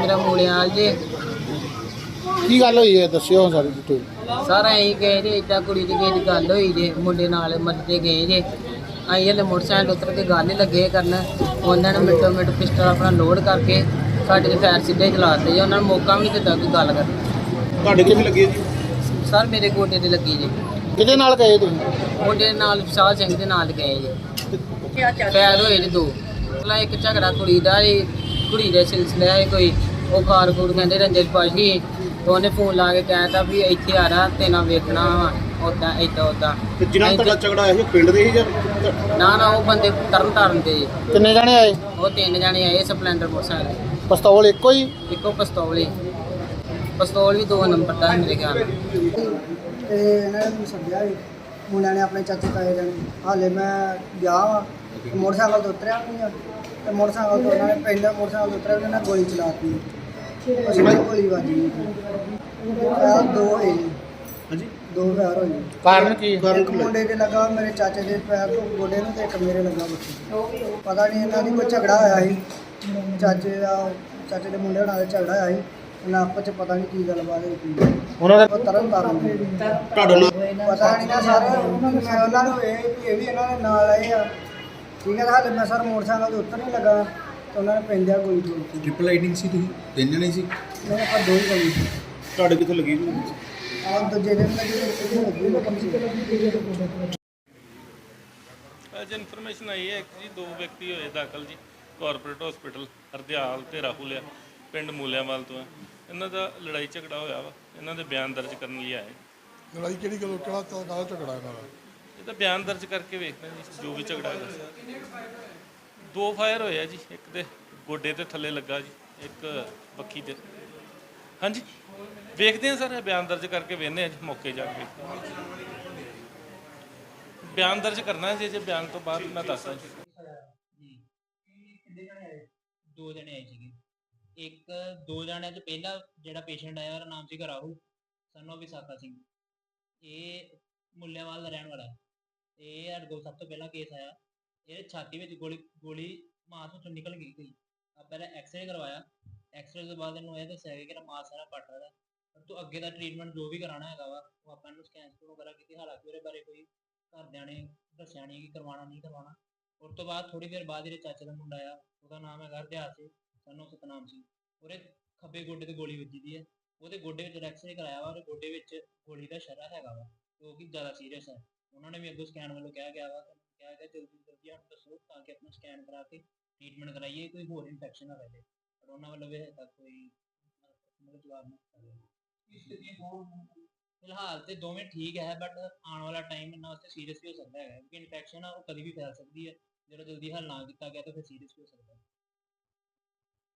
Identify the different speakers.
Speaker 1: मेरा मूलियाल जी।
Speaker 2: ਕੀ ਗੱਲ ਹੋਈ ਹੈ ਦੱਸਿਓ ਸਾਰੀ ਡਿਟੇਲ।
Speaker 1: सर अं गए जे इदा कुड़ी की किसी गल हुई जे मुंडे नाल मरते गए जे अं हले मोटरसाइकिल उतर के गल ही लगे करन उन्होंने मिनटों मिनट पिस्टल अपना लोड करके साढ़े ते फैर सीधे चलाते जे उन्होंने मौका भी नहीं दिता कोई गल कर।
Speaker 3: ਤੁਹਾਡੇ ਕਿੱਥੇ ਲੱਗੀ ਹੈ ਜੀ?
Speaker 1: सर मेरे गोडे ते लगी जे
Speaker 2: ਕਿਹਦੇ ਨਾਲ ਗਏ ਤੁਸੀਂ?
Speaker 1: मुंडे नाल विशाल सिंह दे नाल गए जे फैर होए जे दो भला एक झगड़ा कुड़ी दा कुड़ी दे सिलसिले कोई वो खार खूर कहते रंजन पाशी तो उन्हें फोन ला के कहता भी इतने आ रहा तेना वेखना उदा इदा उदा
Speaker 3: ਤੇ ਜਿਨ੍ਹਾਂ ਨਾਲ ਤੁਹਾਡਾ ਝਗੜਾ ਆਇਆ ਸੀ ਉਹ ਪਿੰਡ ਦੇ ਹੀ ਜਾਂ
Speaker 1: ना ना वो बंदे तरन ताਰਨ ਦੇ
Speaker 2: ਕਿੰਨੇ ਜਾਣੇ ਆਏ?
Speaker 1: ਉਹ ਤਿੰਨ ਜਾਣੇ ਆਏ ਸਪਲੈਂਡਰ ਮੋਟਰਸਾਈਕਲ
Speaker 2: ਪਿਸਤੌਲ ਇੱਕੋ ਹੀ?
Speaker 1: ਇੱਕੋ ਪਿਸਤੌਲ ਵੀ 2 ਨੰਬਰ ਦਾ ਮੇਰੇ ਖਿਆਲ ਨਾਲ।
Speaker 4: ਤੇ ਇਹਨਾਂ ਨੇ ਮੈਨੂੰ ਸੱਦਿਆ ਸੀ ਮੁੰਡਿਆਂ ਨੇ ਆਪਣੇ ਚਾਚੇ ਤਾਏ ਜਾਣੇ ਹਾਲੇ ਮੈਂ ਗਿਆ ਵਾਂ ਤੇ ਮੋਟਰਸਾਈਕਲ ਤੋਂ ਉਤਰਿਆ ਨਹੀਂ ਆ ਤੇ ਮੋਟਰਸਾਈਕਲ ਤੋਂ ਉਹਨਾਂ ਨੇ ਪਹਿਲਾਂ ਮੋਟਰਸਾਈਕਲ ਤੋਂ ਉਤਰਿਆ ਉਹਨਾਂ ਨੇ ਗੋਲੀ ਚਲਾਤੀ ਉਸ ਵਿੱਚ ਗੋਲੀ ਵੱਜੀ ਆ ਦੋ ਹੋਏ ਜੀ,
Speaker 3: ਹਾਂਜੀ
Speaker 4: ਦੋ ਫੈਰ ਹੋਏ
Speaker 2: ਕਾਰਨ ਕੀ?
Speaker 4: ਇੱਕ ਮੁੰਡੇ ਦੇ ਲੱਗਾ ਮੇਰੇ ਚਾਚੇ ਦੇ ਪੈਰ ਤੋਂ ਗੋਡੇ ਨੂੰ ਤੇ ਇੱਕ ਮੇਰੇ ਲੱਗਾ ਬੱਚੇ ਪਤਾ ਨਹੀਂ ਇਹਨਾਂ ਦੀ ਕੋਈ ਝਗੜਾ ਹੋਇਆ ਸੀ ਚਾਚੇ ਦੇ ਮੁੰਡੇ ਨਾਲ ਝਗੜਾ ਹੋਇਆ ਸੀ ਇਹਨਾਂ ਆਪਸ ਚ ਪਤਾ ਨਹੀਂ ਕੀ ਗੱਲਬਾਤ ਹੋਈ
Speaker 2: ਉਹਨਾਂ ਦਾ
Speaker 4: ਉਹ ਤਰਨ ਤਾਰਨ ਦੇ
Speaker 3: ਤੁਹਾਡਾ ਨਾਮ?
Speaker 4: ਪਤਾ ਨਹੀਂ ਨਾ ਸਰ ਮੈਂ ਉਹਨਾਂ ਨੂੰ ਇਹ ਵੀ ਇਹਨਾਂ ਦੇ ਨਾਲ ਆਏ ਆ ਠੀਕ ਹੈ ਹਾਲੇ ਮੈਂ ਸਰ ਮੋਟਰਸਾਈਕਲ ਤੋਂ ਉੱਤਰ ਨਹੀਂ ਲੱਗਾ ਤੇ ਉਹਨਾਂ ਨੇ ਪੈਂਦਿਆ ਗੋਲੀ ਚੋਲਤੀ
Speaker 5: ਟ੍ਰਿਪਲ ਲਾਈਟਿੰਗ ਸੀ ਤੁਸੀਂ ਤਿੰਨ ਜਣੇ ਸੀ?
Speaker 4: ਮੇਰੇ ਕੋਲ ਦੋ ਹੀ ਗੋਲੀ ਸੀ
Speaker 3: ਤੁਹਾਡੇ ਕਿੱਥੇ ਲੱਗੀ ਜੀ?
Speaker 4: ਆਹ ਦੂਜੇ ਦਿਨ ਲੱਗੀ ਤੇ ਇਹਦੇ ਲੱਗੀ ਨਾ ਕਮ ਸੀ
Speaker 6: ਅੱਜ ਇਨਫੋਰਮੇਸ਼ਨ ਆਈ ਹੈ ਕਿ ਜੀ 2 ਵਿਅਕਤੀ ਹੋਏ ਦਾਖਲ ਜੀ ਕਾਰਪੋਰੇਟ ਹਸਪੀਟਲ ਹਰਦਿਆਲ ਤੇ ਰਾਹੁਲ ਆ ਪਿੰਡ ਮੂਲਿਆਂਵਾਲ ਤੋਂ ਹੈ। ਇਹਨਾਂ ਦਾ ਲੜਾਈ ਝਗੜਾ ਹੋਇਆ ਵਾ, ਇਹਨਾਂ ਦੇ ਬਿਆਨ ਦਰਜ ਕਰਨ ਲਈ ਆਏ।
Speaker 2: ਲੜਾਈ ਕਿਹੜੀ ਗੱਲ ਕਿਹੜਾ ਕਾਹਦਾ ਝਗੜਾ ਇਹਨਾਂ ਦਾ?
Speaker 6: ਇਹ ਤਾਂ ਬਿਆਨ ਦਰਜ ਕਰਕੇ ਵੇਖਦੇ ਜੀ ਜੋ ਵੀ ਝਗੜਾ ਹੋਇਆ। 2 ਫਾਇਰ ਹੋਏ ਆ ਜੀ, ਇੱਕ ਦੇ ਗੋਡੇ ਤੇ ਥੱਲੇ ਲੱਗਾ ਜੀ, ਇੱਕ ਬੱਖੀ ਤੇ। ਹਾਂਜੀ ਵੇਖਦੇ ਆ ਸਰ, ਇਹ ਬਿਆਨ ਦਰਜ ਕਰਕੇ ਵੇਖਦੇ ਆ ਜੀ ਮੌਕੇ ਜਾ ਕੇ। ਬਿਆਨ ਦਰਜ ਕਰਨਾ ਜੇ ਬਿਆਨ ਤੋਂ ਬਾਅਦ ਮੈਂ ਦੱਸਦਾ ਜੀ।
Speaker 7: 2 ਜਣੇ ਆਏ ਸੀਗੇ। ਇੱਕ 2 ਜਣਿਆਂ ਚ ਪਹਿਲਾ ਜਿਹੜਾ ਪੇਸ਼ੈਂਟ ਆਇਆ ਉਹਦਾ ਨਾਮ ਸੀਗਾ ਰਾਹੁਲ ਸਨ ਆਫ ਵਿਸਾਖਾ ਸਿੰਘ। ਇਹ ਮੁੱਲਿਆਂਵਾਲ ਦਾ ਰਹਿਣ ਵਾਲਾ ਹੈ। ਇਹ ਸਾਡੇ ਕੋਲ ਸਭ ਤੋਂ ਪਹਿਲਾਂ ਕੇਸ ਆਇਆ, ਇਹ ਛਾਤੀ ਵਿੱਚ ਗੋਲੀ ਮਾਸ ਵਿੱਚੋਂ ਨਿਕਲ ਗਈ ਕੋਈ। ਆਪਾਂ ਇਹਦਾ ਐਕਸਰੇ ਕਰਵਾਇਆ, ਐਕਸਰੇ ਤੋਂ ਬਾਅਦ ਇਹਨੂੰ ਇਹ ਦੱਸਿਆ ਗਿਆ ਕਿ ਮਾਸ ਸਾਰਾ ਪੱਟ ਰਿਹਾ ਪਰ ਤੂੰ ਅੱਗੇ ਦਾ ਟ੍ਰੀਟਮੈਂਟ ਜੋ ਵੀ ਕਰਾਉਣਾ ਹੈਗਾ ਵਾ ਉਹ ਆਪਾਂ ਇਹਨੂੰ ਸਕੈਨ ਵਗੈਰਾ ਕੀਤੀ। ਹਾਲਾਂਕਿ ਉਹਦੇ ਬਾਰੇ ਕੋਈ ਘਰਦਿਆਂ ਨੇ ਦੱਸਿਆ ਨਹੀਂ ਕਿ ਕਰਵਾਉਣਾ ਨਹੀਂ ਕਰਵਾਉਣਾ। ਉਸ ਤੋਂ ਬਾਅਦ ਥੋੜੀ ਦੇਰ ਬਾਅਦ ਜਿਹੜੇ ਚਾਚੇ ਦਾ ਮੁੰਡਾ ਆ ਉਹਦਾ ਨਾਮ ਹੈਗਾ ਹਰਦਿਆਲ ਸਿੰਘ ਸਾਨੂੰ ਸਤਨਾਮ ਸਿੰਘ, ਉਹਦੇ ਖੱਬੇ ਗੋਡੇ ਤੇ ਗੋਲੀ ਵੱਜੀ ਦੀ ਹੈ। ਉਹਦੇ ਗੋਡੇ ਵਿੱਚ ਐਕਸਰੇ ਕਰਾਇਆ ਵਾ, ਉਹਦੇ ਗੋਡੇ ਵਿੱਚ ਗੋਲੀ ਦਾ ਸ਼ਰਾ ਹੈਗਾ ਵਾ ਜੋ ਕਿ ਜ਼ਿਆਦਾ ਸੀਰੀਅਸ ਹੈ। ਉਹਨਾਂ ਨੇ ਵੀ ਅੱਗੋਂ ਸਕੈਨ ਵੱਲੋਂ ਕਿਹਾ ਗਿਆ ਵਾ, ਕਿਹਾ ਗਿਆ ਜਲਦੀ ਜਲਦੀ ਸਾਨੂੰ ਦੱਸੋ ਤਾਂ ਕਿ ਆਪਣਾ ਸਕੈਨ ਕਰਾ ਕੇ ਟ੍ਰੀਟਮੈਂਟ ਕਰਾਈਏ, ਕੋਈ ਹੋਰ ਇਨਫੈਕਸ਼ਨ ਨਾ ਰਹੇ। ਪਰ ਉਹਨਾਂ ਵੱਲੋਂ ਵੀ ਹਜੇ ਤੱਕ ਕੋਈ ਮਤਲਬ ਜਵਾਬ ਨਹੀਂ ਦਿੱਤਾ। ਫਿਲਹਾਲ ਤੇ ਦੋਵੇਂ ਠੀਕ ਹੈ ਬਟ ਆਉਣ ਵਾਲਾ ਟਾਈਮ ਇਹਨਾਂ ਵਾਸਤੇ ਸੀਰੀਅਸ ਵੀ ਹੋ ਸਕਦਾ ਹੈ ਕਿਉਂਕਿ ਇਨਫੈਕਸ਼ਨ ਆ ਉਹ ਕਦੀ ਵੀ ਫੈਲ ਸਕਦੀ ਹੈ। ਜਦੋਂ ਜਲਦੀ ਹੱਲ ਨਾ ਕੀਤਾ ਗਿਆ ਤਾਂ ਫਿਰ ਸੀਰੀਅਸ ਵੀ ਹੋ ਸਕਦਾ ਹੈ।